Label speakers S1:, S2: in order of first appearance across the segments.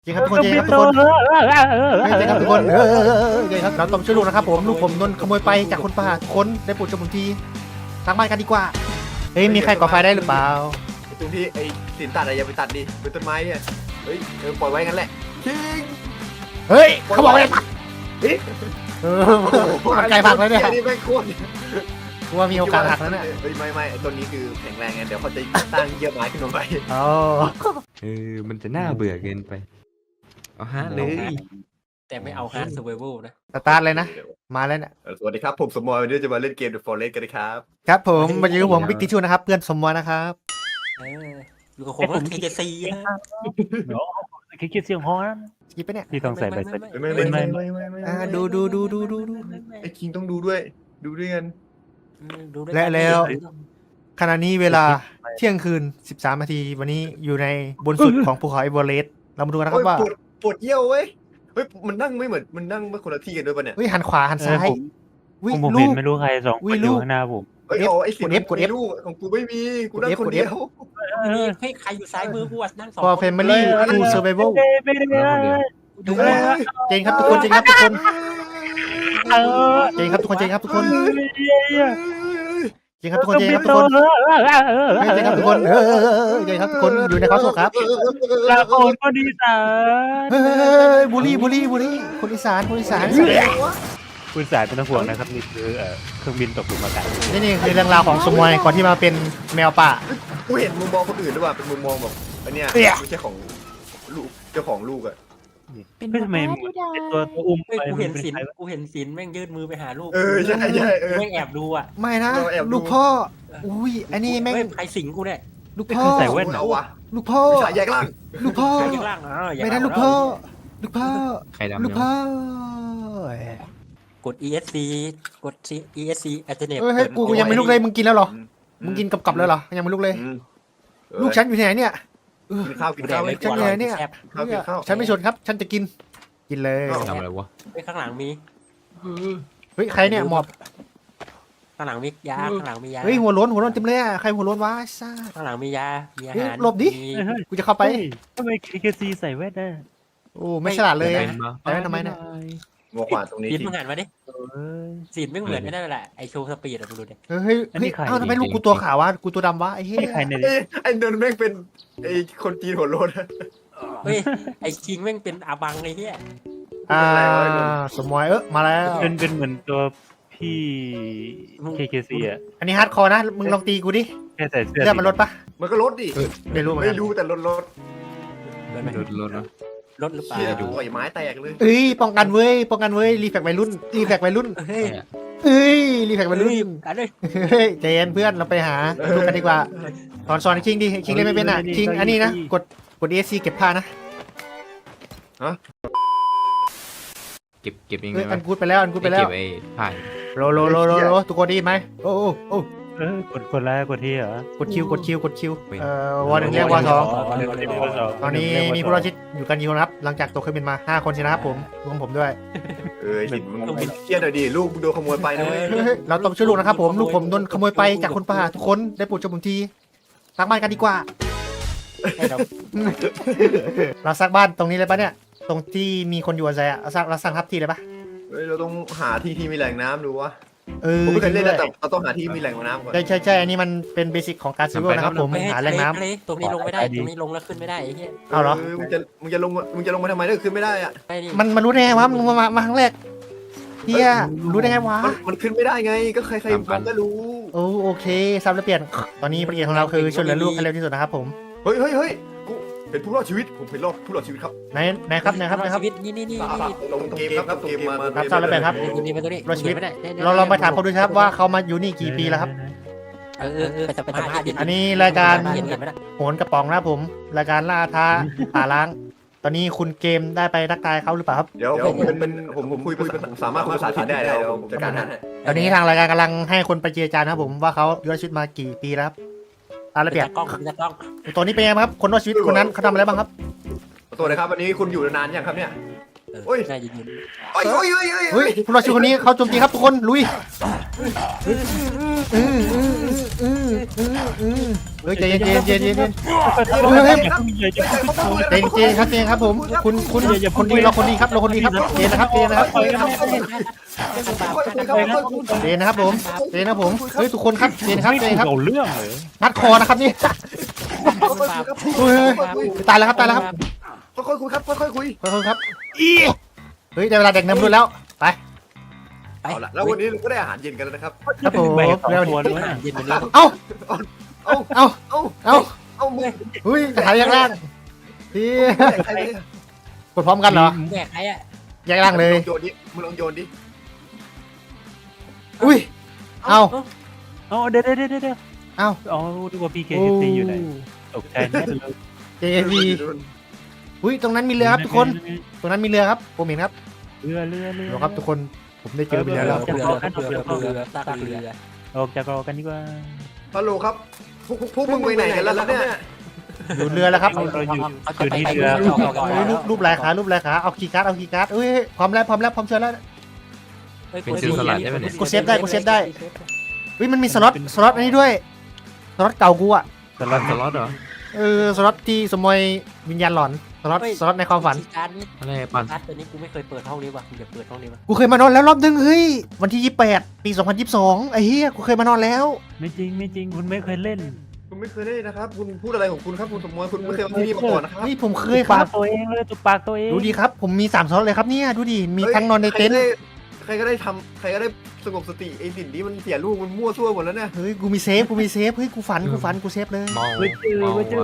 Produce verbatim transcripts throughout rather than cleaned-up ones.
S1: จริงครับทุกคนจริงครับทุกคนจริงครับทุกคนเออจริงครับเราต้องช่วยลูกนะครับผมลูกผมโดนขโมยไปจากคนป่าทุกคนได้โปรดจงผมทีสร้างบ้านกันดีกว่าเฮ้ยมีใครก่อไฟได้หรือเปล่า
S2: ตรงที่ไอ้สินตัดอะไรอย่าไปตัดดิเป็นต้นไม้เนี่ยเฮ้ยเออปล่อยไว้งั้นแหละคิง
S1: เฮ้ยเขาบอกอะไรตัดเออมันไกลผักแล้วเนี่ย
S2: นี่แม่งโคตร
S1: กูว่ามีโอกาสหักแล้วเนี่ย
S2: เฮ้ยไม่ไม่ไอ้ต้นนี้คือแข็งแรงไงเดี๋ยวเขาจะสร้างเยื่อไม้ขึ้นมาใหม่
S1: อ๋อ
S3: เออมันจะน่าเบื่อเกินไปเอาฮะเลย
S4: แต่ไม่เอาฮาร์ดเซอร์ไวเวลนะ
S1: สตาร์ทเลยนะมาแล้วเนี่ย
S2: เออสวัสดีครับผมสมอยวันนี้จะมาเล่นเกม The Forest กันนะครับ
S1: ครับผมมาอยู่กับผมบิ๊กทิชชูนะครับเพื่อนสมวรนะครับ
S4: เอออยู่กับผมแล้วทีเจซีนะ
S5: คิดคิดเสียงฮอน
S1: สกิปไปเนี่ย
S5: ที่ต้องใส่ใบเสร็จ
S2: ไม่ไม่ไม่ไม่ไม่ไม่
S1: อ่าดูดูดูดูดูดู
S2: ไอ้คิงต้องดูด้วย ดูด้วยกัน
S1: และแล้วขณะนี้เวลาเที่ยงคืนสิบสามนาทีวันนี้อยู่ในบนสุดของภูเขาเอเวอเรสต์เรามาดูกันนะค
S2: โอ้
S1: รับว่า
S2: ยปวดปวดเยี่ยวเว้ยเฮ้ยมันนั่งไม่เหมือนมันนั่งไม่คนละที่กันด้วยป่ะเนี่ย
S1: เฮ้ยหันขวาหันซ้าย
S5: ผม
S1: วิ
S5: ผม
S1: ลู
S5: เห็น
S1: ก
S5: ไม่รู้ใครสอง
S1: อุ้
S5: ค
S1: ย
S5: นอ
S1: ลู
S5: ยู่
S1: ก
S5: ข้างหน้าผม
S2: เฮ้ยเอาไอ้สิ
S1: กด F กด F
S2: ลูกของกูไม่มีกูนั่ง
S1: กด F
S2: คน
S1: กด F
S2: เดียว
S4: นี่เฮ้ยใครอยู่ซ้ายมือกูอ่ะนั่งสอง
S1: พอ
S4: คน
S1: แฟมิลี่ทูเซอร์ไวเวล
S5: ไม่ได้ไม่ได้
S1: ดูเจงครับทุกคนเจงครับทุกคน
S5: เออ
S1: เจงครับทุกคนเจงครับทุกคนเจงครับทุกคนเจงครับทุก
S5: โด
S1: คน
S5: นเออเออเออเออ
S1: เฮ้ยเจงครับทุกคนเออเจงครับทุกคนอยู่ในคอสโซครับ
S5: ลาโอนก็ดีสา
S1: เฮ้ยบุรีบุรีบุรีคนอีสานคนอีสาน
S5: คุณสายเป็นต้องห่วงนะครับนี่คือเครื่องบินตกหลุมอากาศ
S1: นี่นี่คือเรื่องราวของสมวยก่อนที่มาเป็นแมวป่า
S2: กูเห็นมุมมองคนอื่นด้วยว่ะเป็นมุมมองแบบอันเนี้ย
S1: เอี่ย
S2: ไม่ใช่ของลูกเจ้าของลูกอะ
S5: ไม่ทำไมตัวตัวอุ้ม
S4: เฮ้ย
S5: ไป
S4: กูเห็น
S5: มัป็
S4: สิน
S5: ใครวะ
S4: กูเห็นสินแม่งยื่นมือไปหาลูก
S2: เออใช่ใช่เออ
S4: แม่งแอบดูอ่ะ
S1: ไม่นะ
S2: เราแอบดู
S1: ลูกพ่ออุ้ยอันนี้แม่ง
S4: เฮ้ยใครสิงกูเนี่ย
S1: ลูกพ่อ
S5: ใส่แว่นเหรอ
S2: เอาวะ
S1: ลูกพ่อ
S2: สายแยกล่าง
S1: ลูกพ่อ
S4: ใครข้างล่างอ๋ออย่า
S1: ไม่ได้
S4: เอา
S1: ลูกพ่อลูกพ่อ
S3: ใครดำ
S1: ลูก
S3: เนี่ย
S1: พ่อก
S4: ด อี เอส ซี กด อี เอส ซี alternate
S1: เฮ้ยเฮ้ยกูกูยังไม่ลุกเลยมึงกินแล้วเหรอมึงกินกับกับแล้วเหรอยังไม่ลุกเลย
S2: อืมเออ
S1: ลูกฉันอยู่ที่ไหนเนี่ย
S2: กินข้าวกิน
S4: กูแด
S2: ข้าก ว
S4: ไม่
S1: ฉัน
S4: ก
S1: เหนื่อยเนี่ย
S4: แซ่บ
S2: ข้าวกินข้าว
S1: ฉันไม่ชนครับ ฉันจะกิน กินเลย
S3: ทำอะไรวะ
S4: เฮ้ยข้างหลังมี
S1: เฮ้ยใครเนี่ยหมอบ
S4: ข้างหลังมียาข้างหลังมียา
S1: เฮ้ยหัวโล้นหัวโล้นเต็มเลยอ่ะใครหัวโล้นวะซ่า
S4: ข้างหลังมียามีอา
S1: เฮ้ย
S4: หาร
S1: หลบดิ
S4: มี
S5: เฮ้ย
S1: กูจะเข้าไป
S5: ทำไมเคซีใส่แว่นได้
S1: โอ้ไม่ฉลาดเลย
S3: เป็
S1: อะ
S3: นมา
S1: ไปไว้ทำไมเนี่ย
S2: งอขวาตรงนี้
S4: สิน
S2: สิ
S4: มึงหันมาดิ
S5: เอ้ย
S4: สินไม่เหมือนไม่ได้แหละไอโชว์สปีดอะมึงดูดิ
S1: เฮ้ยเฮ้ย
S5: อันนี้
S1: เฮ้ย
S5: ใคร
S1: เอ้าทำไมลูกกูตัวขาววะกูตัวดำวะไอ้เหี้ย
S5: ไม่ใครเนี่ย
S2: เอ้ยไอ้เดินแม่งเป็นไอ้คนจีนหัวโลน
S4: เฮ้ยไอคิงแม่งเป็นอาบังไอ้เหี้ย
S1: อ่าสมวยเออมาแล้ว
S5: เป็นเป็นเหมือนตัวพี่เคเคซีอ่ะ
S1: อันนี้ฮาร์ดคอร์นะมึงลองตีกูดิ
S5: แค่ใส่เสื้อ
S1: เลือดมันลดปะ
S2: มันก็ลดดิ
S1: ไม่รู้เหมือน
S2: ไม่
S1: กัน
S2: รู้แต่ลดลด
S4: รถไหม
S3: รถรถเนาะ
S4: รถหรือเปล่า
S2: เชี่ยดูไอ้ไม้แตกเลย
S1: เอ้ยป้องกันเว้ยป้องกันเว้ยรีแฟกวัยรุ่นรีแฟกวัยรุ่น
S4: เฮ้ย
S1: เอ้ยรีแฟกวัยรุ่น
S4: เฮ้ยกันเลย
S1: เฮ้ยใจเย็นเพื่อนเราไปหาดูกันดีกว่าสอนสอนคิงดิคิงเล่นไม่เป็นอ่ะคิงอันนี้นะกดกดเอซีเก็บผ้านะ
S3: เก็บเก็บยังไง
S1: เอ้ยอั
S3: วะ
S1: นกูดไปแล้วอันกูดไปแล้ว
S3: เก็บไอ้ผ่าน
S1: โลโลโลโลโลทุกคนได้ยินไหมโอ้โอ้โอ้
S5: เออกดกดไลค์กดที่เหรอก
S1: ดคิวกดคิวกดคิวเอ่อวอหนึ่งเรียกวอสองตอนนี้มีผู้รอดชีวิตอยู่กันกี่คนครับหลังจากตกเครื่องบินมาห้าคนสินะครับผมรวมผมด้วย
S2: เออหินมึงเครียดหน่อยดิลูกมึงโดนขโมยไปนะเว้ย
S1: เฮ้ยเฮ้ยเราต้องช่วยลูกนะครับผมลูกผมโดนขโมยไปจากคนป่าทุกคนได้โปรดช่วยผมทีสร้างบ้านกันดีกว่า
S4: ให้เรา
S1: เราสร้างบ้านตรงนี้เลยปะเนี่ยตรงที่มีคนอยู่อาศัยอ่ะเราสร้างเราสร้างทับที่เลยปะ
S2: เฮ้ยเราต้องหาที่ที่มีแหล่งน้ำดูวะ
S1: เออ
S2: ผมไม่เคยเล่นนะแต่เราต้องหาที่มีแหล่งน้ำก่อน
S1: ใช่ใช่ใช่อันนี้มันเป็นเบสิกของการซื้อนะครับผมหาแหล่งน้ำ
S4: ทะเลตรงนี้ลงไม่ได้ตรงนี้ลงแล้วขึ้นไม่ได้ไอ้เหี้ย
S1: เอาเหรอ
S2: มึงจะมึงจะลงมึงจะลงมาทำไมถ้าขึ้นไม่ได้อะ
S4: ไม่ดิ
S1: มันมันรู้ได้ไงวะมึงมามามาครั้งแรกเฮียรู้ได้ไงวะ
S2: มันมันขึ้นไม่ได้ไงก็ใครๆมันก็รู้
S1: โอ้โอเคซับแล้วเปลี่ยนตอนนี้ประเด็นของเราคือช่วยเหลือลูกให้เร็วที่สุดนะครับผม
S2: เฮ้ยเฮ้ยเฮ้ยกูเป็นผู้รอดชีวิตผมเป็นรอดผู้รอดชีวิตครับ
S1: ไหนไหนครับไหนครับไหนครับ
S4: ชีวิตนี่นี่นี่นี่
S2: ลงเกมครับเกมมา
S1: ครับทราบแล้วแบ่งครับ
S4: ตัวนี้มาตัวนี้
S1: รอดชีวิต
S4: ไม่ได้
S1: เราลองไปถามเขาดูครับว่าเขามาอยู่นี่กี่ปีแล้วครับ
S4: เออเออเออไปสัมภาษณ์ดิ
S1: อันนี้รายการ
S4: เห็นเห็นไหมล่ะ
S1: โหนกระป๋องนะครับผมรายการล่าท้าหาล้าง ตอนนี้คุณเกมได้ไปทักทายเขาหรือเปล่าครับ
S2: เดี๋ยวผมเป็นเป็นผมผมคุยผมสามารถคุยภาษาจีนได้แล้วผมจัดการให้
S1: ตอนนี้ทางรายการกำลังให้คนไปเจรจานะครับผมว่าเขาอยู่รอดชีวิตมากี่ปีแล้วครับตามระเบียบ
S4: ตากล้องตากล้อง
S1: ตัวนี้เป็นไงบ้างครับคนรอดชีวิตคนนั้นเขาทำอะไรบ้างครับ
S2: ตัวนะครับวันนี้คุณอยู่นานยังครับเนี่ย
S4: เออ
S2: โอ้ย
S4: น่าจะยืน
S2: โอ้ยโอ้ยโอ้ยโอ้ย
S1: เฮ้ยผู้รอดชีวิตคนนี้เขาโจมตีครับทุกคนลุยเฮ้ยใจเย็นใจเย็นใจเย็นใจเย็น
S5: เฮ้ย
S1: ใจเย็นใจเย็นครับใจเย็นครับผมคุณคุณคนดีเราคนดีครับเราคนดีครับใจเย็นนะครับใจเย็นนะครับใจเย็นนะครับผมใจเย็นนะครับผมเฮ้ยทุกคนครับใจเย็นครับใจเย็นครับ
S5: เอาเรื่องเลย
S1: นัดคอนะครับนี่เฮ้ยตายแล้วครับตายแล้วครับ
S2: ค่อยๆคุยครับค่อยๆคุย
S1: ขอโทษครับอีเฮ้ยได้เวลาเด็กน้ำรุ่นแล้วไป
S2: เอาละแล้ววันนี้เราก็ได้อาหารเย็นกันแล้วนะครับ
S1: ครับผม
S5: แบ่งสอง
S1: เร็ว
S5: ตัว
S1: ดิ
S5: ด้วย
S4: เย็นไปแล้ว
S1: เอ้า
S2: เอา
S1: เอ้า
S2: เอา
S1: เอ้า
S2: เอามึง
S1: เฮ้ยกระถายแยกล่างพี่
S2: ใครเลย
S1: กดพร้อมกันเหรอ
S4: แบกใครอ่ะ
S1: แยกล่างเลย
S2: โยนดิมึงลองโยนดิ
S1: อุ้ยเอ้า
S5: อ๋อเดี๋ยวเดี๋ยวเดี๋ยวเดี๋ยว
S1: เอ้า
S5: อ๋อดูว่าพีเคซีอยู่ไหนตกใจแน่เลย
S1: เจวีอุ้ยตรงนั้นมีเรือครับทุกคนตรงนั้นมีเรือครับผมเห็นครับ
S5: เรือเรือเรือ
S1: เดี๋ยวครับทุกคนผมได้เจอเรือแล้ว
S4: เรือเรือเรือเรือตากเรือ
S5: ออกจากรอกันดีกว่า
S2: ฮัลโหลครับพวกพวกมึงไปไหนกันแล้วเนี่ย
S1: อยู่เรือแล้วครับ
S5: เราอยู่อยู่
S4: เขาจะ
S5: ที่
S4: ไป
S5: เรือ
S1: เฮ้ยรูปรูปลายขารูปลายขาเอาคีย์การ์ดเอาคีย์การ์ดเอ้ยพร้อมแล้วพร้อมแล้วพร้อมเชิญแล้วเฮ้ยมันมีสล็อตสล็อตอันนี้ด้วยสล็อตเก่ากูอะ
S3: สล็อตสล็อตเหรอ
S1: เออสล็อตที่สมอยวิญญาณหลอนสล็อตสล็อตในความฝัน
S4: การนี้
S3: อะไรปั่น
S4: การตัวนี้กูไม่เคยเปิดห้องนี้ว่ะกูอยากเปิดห้องนี้ว่ะ
S1: กูเคยมานอนแล้วรอบนึงเฮ้ยวันที่ยี่สิบแปดปีสองพันยี่สิบสองไอ้เหี้ยกูเคยมานอนแล้ว
S5: ไม่จริงไม่จริงคุณไม่เคยเล่น
S2: คุณไม่เคยได้นะครับคุณพูดอะไรของคุณครับคุณสมมติคุณไม่เคยมาที่นี่มาก่อนนะครับ
S1: เฮ้ยผมเคยค
S5: ปา
S1: รั
S5: ก
S1: บ
S5: ตัวเองเลยตุกปากตัวเอง
S1: ดูดีครับผมมีสามสล็อตเลยครับเนี่ยดูดิมีทั้งนอนในเต็นท์
S2: ใครก็ได้ทำใครก็ได้สงบสติไอ้สิ่งนี้มันเสียลูกมันมั่วซั่วหมดแล้วเนี่ย
S1: เฮ้ยกูมีเซฟกูมีเซฟเฮ้ยกูฝันกูฝันกูเซฟเลย
S3: เมา
S5: ไม่เจอ
S3: เมา
S5: ไม่เจอ
S3: ว่ะ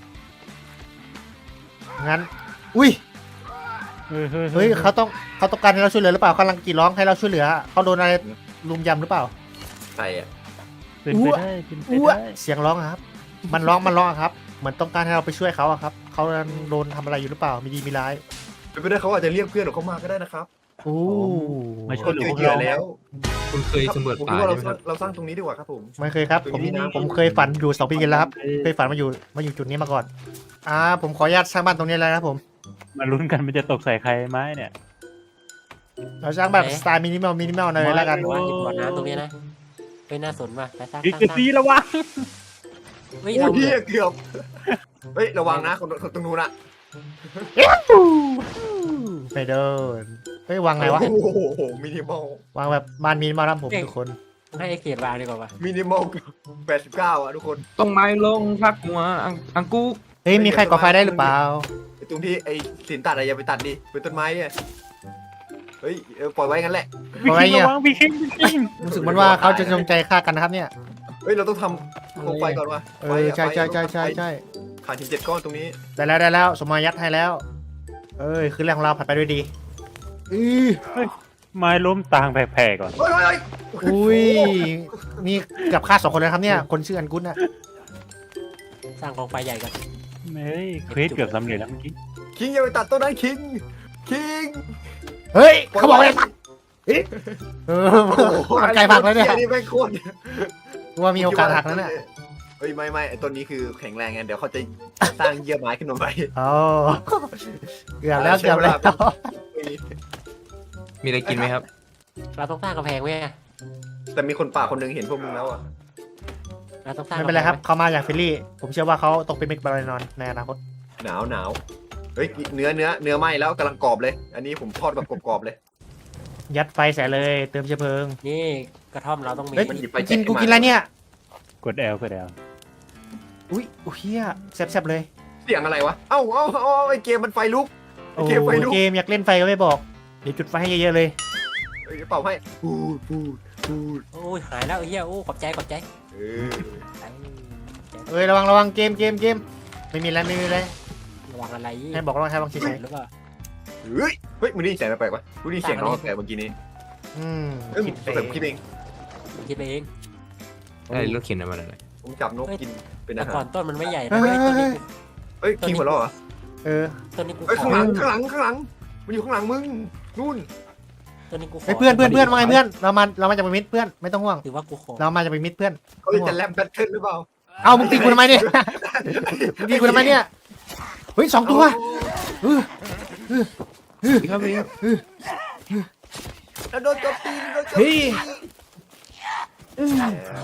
S1: งั้นอุ้ย
S5: เฮ้ยเฮ้ย
S1: เฮ้ยเขาต้องเขาต้องการให้เราช่วยเหลือหรือเปล่ากำลังกรีดร้องให้เราช่วยเหลือเขาโดนอะไรลุมยำหรือเปล่า
S2: ใครอ่ะ
S5: เป็นไปได้เป็นไป
S1: อ้ว
S5: ได้
S1: เสียงร้องอะครับ มันร้องมันร้องอะครับเหมือนต้องการให้เราไปช่วยเขาอะครับเขาโดนทำอะไรอยู่หรือเปล่ามีดีมีร้าย
S2: เป็นไปได้เขาอาจจะเรียกเพื่อนของเขามาก็ได้นะครับ
S1: โอ้
S5: มาช่วยเหลือพวก
S2: เหยื่อ
S5: เรา
S2: แล้ว
S3: คุณเคยสำรวจ
S2: ผม
S3: ป่า
S2: คิดว่าเรา
S3: ใช่ไหมครับ
S2: เราสร้างตรงนี้ดีกว่าครับผม
S1: ไม่เคยครับผมผมเคยฝันอยู่สองปีกันแล้วครับเคยฝันมาอยู่มาอยู่จุดนี้มาก่อนอ่าผมขออนุญาตสร้างบ้านตรงนี้เลยนะครับผม
S5: มาลุ้นกันมันจะตกใส่ใครไหมเนี่ย
S1: เราสร้างแบบสไตล์มินิมอลมินิมอลหน่อยแล้วกัน
S4: ว่าหยิบบ่อน้ำตรงนี้นะเฮ้ยน่าสนว่ะไปสร้าง
S5: พี
S4: สร้าง
S5: เคซีระวัง
S4: เฮ้ย
S2: โอ้
S4: เรา
S2: ยพี่เกือบเฮ้ยระวังนะคนคนตรงนู้นอะ
S1: ไปเดินเฮ้ยวางไงวะ
S2: โอ้โหมินิมอล
S1: วางแบบบ้านมินิมอลครับผมทุกคน
S4: ให้ไอเขตวางดีกว่าว่ะ
S2: มินิมอลแปดสิบเก้าอ่ะทุกคน
S3: ต้องไม้ลงพักหัวอังอังกู
S1: เฮ้ยมีใครก่อไฟได้หรือเปล่า
S2: ไอ้ตรงที่ไอ้สินตัดอะไรอย่าไปตัดดิเป็นต้นไม้เนี่ยเฮ้ยเออปล่อยไว้งั้นแหละ
S5: พีเคระวังพีเคพีเค
S1: รู้สึกเหมันว่าเขาจะจงใจฆ่ากันนะครับเนี่ย
S2: เฮ้ยเราต้องทำโคมไฟก่อนวะ
S1: เออใช่ใช่ใช่ใช่ใช่
S2: ขาดถึงเจ็ดก้อนตรงนี้
S1: ได้แล้วได้แล้วสมมายัดให้แล้ว เอ้ยคือเรื่องของเราผ่านไปด้วยดีอือ
S5: ไม้ล้มตางแผ่ๆก่อน
S2: เฮ้ยเฮ้ย
S1: อุ้ยนี่เกับฆ่าสองคนเลยครับเนี่ยคนชื่ออันกุนน่ะ
S4: สร้างกองไฟใหญ่กัน
S5: เฮ้ยเควสเกือบสำเร็จแล้วเมื่อกี้
S2: คิงอย่าไปตัดต้นนั้นคิงคิง
S1: เฮ้ยเขาบอกเลยเออมันไกลผักแล้วเนี่ย
S2: นี่แม่งโคตร
S1: กูว่ามีโอกาสหักแล้วเนี่ย
S2: เฮ้ยไม่ไม่ไอ้ต้นนี้คือแข็งแรงไงเดี๋ยวเขาจะสร้างเยื่อไม้ขึ้นมาใหม่
S1: อ๋อเกือบแล้วเกือบแล้ว
S3: มีอะไรกินไหมครับ
S4: เราต้องสร้างกำแพงไว้ไง
S2: แต่มีคนป่าคนหนึงเห็นพวกมึงแล้วอ่ะ
S4: เราต้องสร้าง
S1: ไม่เป็นไรครับเขามาอย่างเฟรนลี่ ผมเชื่อว่าเขาต้องเป็นเมกบาลานอนในอนาคต
S2: หนาวหนาวเฮ้ยเนื้อเนื้อเนื้อไหม้แล้วกำลังกรอบเลย อันนี้ผมทอดแบบกรอบๆเลย
S1: ยัดไฟใส่เลยเติมเชื้อเพลิง
S4: นี่กระท่อมเราต้องมี
S1: เฮ้ย
S2: มันหยิบไป
S1: กินกูกินอะไรเนี่ย
S5: กดแอลกดแอล
S1: อุ้ยอุ้ยเฮียแซ่บๆเลย
S2: เสียงอะไรวะเอ้าเอ้าเอ้าไอ้เกมมันไฟลุก
S1: โอ้
S2: เกมไฟลุก
S1: เกมอยากเล่นไฟก็ไม่บอกเดี๋ยวจุดไฟให้เยอะๆเลย
S2: เอ้ยเป่าให้พูดพูดพูด
S4: โอ้ยหายแล้วไอ้เหี้ยโอ้ขอบใจขอบใจ
S2: เออ
S1: เอ้ยระวังระวังเกมเกมเกมไม่มีอะไรไม่มีอะไร
S4: ระวังอะไร
S1: ให้บอกระวังให้ระวังเฉย
S4: หรือเปล่า
S2: เฮ้ยเฮ้ยมึงได้ยินเสียงแปลกๆปะมึงได้ยินเสียงน้องแปลกๆเมื่อกี้นี้
S1: ๆอืม
S2: เอ้ย
S1: คิด
S2: สงสัยผมคิดเอง
S4: คิดไปเอง
S3: ได้รถเข็นอะไรมาเลย
S2: ผมจับนกกินเป็น
S4: แต่
S2: อาหา
S4: ก่อ
S2: ร
S4: นต้นมันไม่ใหญ่นะเว้ยต้นนี้กู
S2: เฮ้ยคิงหัวเราะเหรอ
S1: เออ
S4: ต้นนี้กู
S2: เฮ้ย
S4: ข
S2: ข้า
S4: อง
S2: หลังข้างหลังข้างหลังมันอยู่ข้างหลังมึงนู่น
S4: ต้นนี้กูขอ
S1: เฮ้ยเพื่อนเพื่อนเพื่อนว่าไงเพื่อนเรามาเรามาจากเป็นมิตรเพื่อนไม่ต้องห่วง
S4: ถือว่ากูขอ
S1: เรามาจากเป็นมิตรเพื่อน
S2: เขาจะแลมแบทเทิลหรือเปล่า
S1: เอามึงตีกูทำไมเนี่ยมึงตีกูทำไมเนี่ยเฮ้ยสองตัวเออเออ
S3: ครับพี่ครับ
S2: แล้วโดนโจมตีโดนโจม
S1: เฮ้
S2: ตี
S1: ย
S5: อืม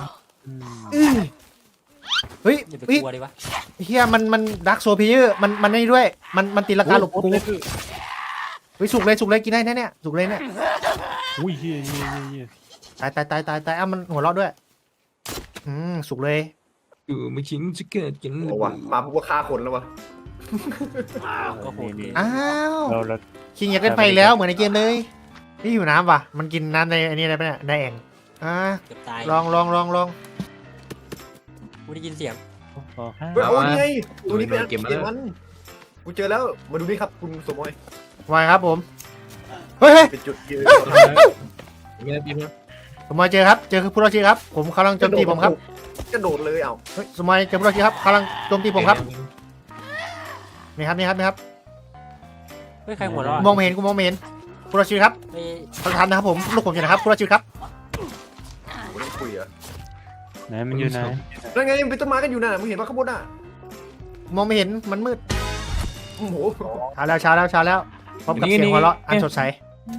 S1: เฮ้ย
S4: อย่าไป
S1: เฮ้ย
S4: กลัวดิวะ
S1: เฮียมันมันดักโซพีเยอร์มันมันนี่ด้วยมันมันตีราคาหลบกูเฮ้ยสุกเลยสุกเลยกินได้แน่เนี่ยสุกเลยเนี่ย
S5: อุ้ยเฮียเฮียเฮียเฮีย
S1: ตายตายตายตายตายอ่ะมันหัวเราะด้วยอืมสุกเลย
S3: อยู่ไม่ชิงจะเกิดกัน
S2: โอ้วะมาพวกว่าฆ่าคนแล้ววะ
S4: ก็โหดเกิน
S1: อ้าว
S5: เราเรา
S1: คิงอยากเล่นไฟแล้วเหมือนในเกมเลยนี่อยู่น้ำว่ะมันกินน้ำในอันนี้อะไรปะเนี่ยในแอ่งอ่า
S4: เกือบตาย
S1: ลองลองลองลอง
S4: กูได้ยินเสียง
S5: พอห้า
S2: เฮ้ยโอ้นี่ไงตัวนี้เป็นอันเกมมันกูเจอแล้วมาดูนี่ครับคุณสมอย
S1: ไวครับผมเฮ้ยเฮ้ย
S2: เป็นจุดยืน
S3: มีอะไรดีไหม
S1: สมอยเจอครับเจอผู้รอดชีวิตครับผมกำลังโจมตีผมครับ
S2: กระโดดเลยเอ้า
S1: เฮ้ยสมอยเจอผู้รอดชีวิตครับกำลังโจมตีผมครับนี่ครับนี่ครับนี่ครับ
S4: เฮ้ยใครหัวเราะ
S1: มองไม่เห็นกูมองไม่เห็นผู้รอดชีวิตครับ
S4: ไอ้
S1: ประธานนะครับผมลูกผมอยู่นะครับผู้รอดชีวิตครับ
S2: ผมต้องคุยอะ
S5: ไหนมันอยู่ไหน
S2: นั่นไงมันเป็นต้นไม้กันอยู่น่ะมึงเห็นปะข้างบนน่ะ
S1: มองไม่เห็นมันมืด
S2: โอ้โห
S1: เช้าแล้วเช้าแล้วเช้าแล้วพบกับเสียงหัวเราะอันสดใส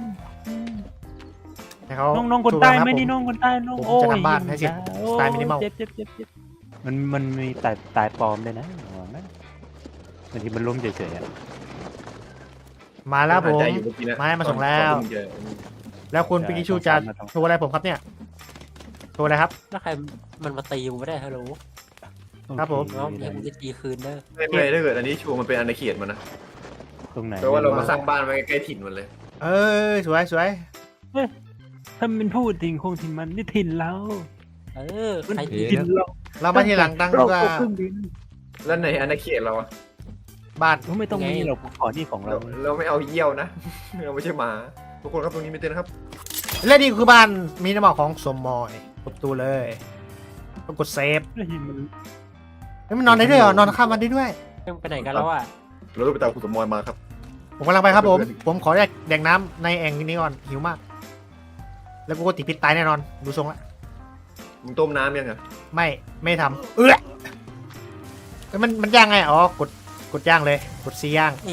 S1: ให้เขา
S5: น้องน้องคนใต้
S1: สู้กัะรับ
S5: ไม่นี่
S1: ผ
S5: น้องคนใต้น้อง
S1: ผม
S5: โอ้
S1: จะ
S5: ย
S1: ทำบ้านให้เสร็จ
S5: โอ้
S1: สไตล์ minimal
S5: เจ็บเจ็บเจ็บเจ็บมันมันมีตายตายปลอมด้วยนะอ๋อนะบางทีมันล้มเฉยๆอะ
S1: มาแล้วผม
S2: หายใจอยู่เอกี้นะ
S1: ไม้มาส่งแล้ว
S2: ตอนที่มึงเจอ
S1: แล้วคุณปิกิชูจะโชว์อะไรผมครับเนี่ยโชว์อะไรครับ
S4: แล้วใครมันมาตีกูไม่ได้ฮัลโหล
S1: ครับผม
S4: น้องให้กูจะตีคืนเด้อ
S2: ไม่ไม่ถ้าเกิดอันนี้ชัวร์มันเป็นอาณาเขตมันนะ
S5: ตรงไหน
S2: แปลว่าเรามาสร้างบ้านไว้ใกล้ๆถิ่นมันเลย
S1: เออสวยสวย
S5: ถ้ามันพูดถิ่นคงถิ่นมันนี่ถิ่นเรา
S4: เออใครตี
S5: ถิ่นเรา
S1: เรามาทีหลังตั้ง
S5: เรา
S1: ว่า
S5: ก็เพิ่งดิน
S2: แล้วในอาณาเขตเราอะ
S1: บ้าน
S5: ก็ไม่ต้องมีหรอกขอนี่ของ
S2: เรา
S5: เรา
S2: เราไม่เอาเยี่ยวนะ เราไม่ใช่หมาทุกคนครับตรงนี้ไม่เต้นนะครับ
S1: และนี่คือบ้านมีน้ำหมอกของสมมอยกดประตูเลยต้องกดเซฟ
S5: แล้วหินมัน
S1: เฮ้ยมันนอนได้ด้วยเหรอนอนข้ามวันได้ด้วย
S4: ยังไปไหนกันแล้วอ่ะ
S2: เราต้องไปตามคุณสมมอยมาครับ
S1: ผมกำลังไปครับผม ผมขอแยกแดกน้ำในแอ่งนี้ก่อนหิวมาก แล้วกูก็ติดพิษตายแน่นอนดูทรงละ
S2: มึงต้มน้ำยังอะ
S1: ไม่ไม่ทำเออเอ้ยมันมันย่างไงอ๋อกดกดย่างเลยกดซีย่าง
S4: ไอ้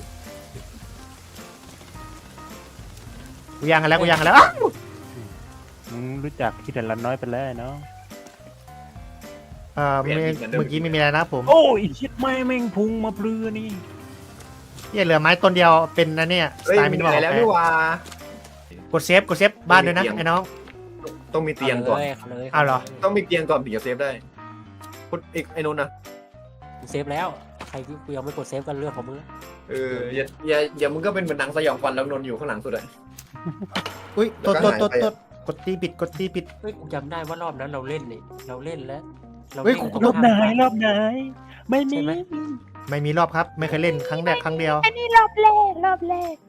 S1: กูย่างกันแล้วกูย่างกันแล้วอ้าว
S5: มึงรู้จักคิดแต่ละน้อยไปแล้วเนาะ
S1: เออเมื่อเมื่อกี้ไม่มีอะไรนะผม
S5: โอ้ยชิดไม่แม่งพุงมาเปลือนี่
S1: เหี้ยเหลือไม้ต้นเดียวเป็นนะเนี่ยส
S2: เฮ้ย
S1: ไตล์
S2: มี
S1: มินิมอล
S2: อะไรแล้วนี่หว่าก
S1: ดเซฟกดเซฟบ้านด้วยนะ
S2: มีเตียง
S1: ไอ้น้อง
S2: ต้องมีเตียงก่อน
S4: าเลย
S1: เอาเหรอ
S2: ต้องมีเตียงก่อนถึงจะเซฟได้คุณอีกไอ้นนท์นะ
S4: กูเซฟแล้วใครที่กูยังไม่กดเซฟกันเรื่องของมึง
S2: เอออย่าอย่าอย่ามึงก็เป็นเหมือนหนังสยองขวัญแล้วนนท์อยู่ข้างหลังสุดอะ
S1: อุ้ยตด
S2: แล้
S1: ต
S2: ว
S1: ด
S2: ก็
S1: ต
S2: หายไป
S1: ดตดกดตีปิดกดตีปิด
S4: เฮ้ยกูจำได้ว่ารอบนั้นเราเล่นนี่เราเล่นแล้วเรา
S1: เฮ้ย
S4: วิ่ง
S1: กู
S4: ตรง
S5: รอบไหน
S4: ข้าม
S5: รอบไหนไม่มี
S4: ใช่ไหม
S1: ไม่มีรอบครับ ไม่เคยเล่นครั้งแรกครั้งเดียว
S6: อันนี้รอบแรกรอบแรก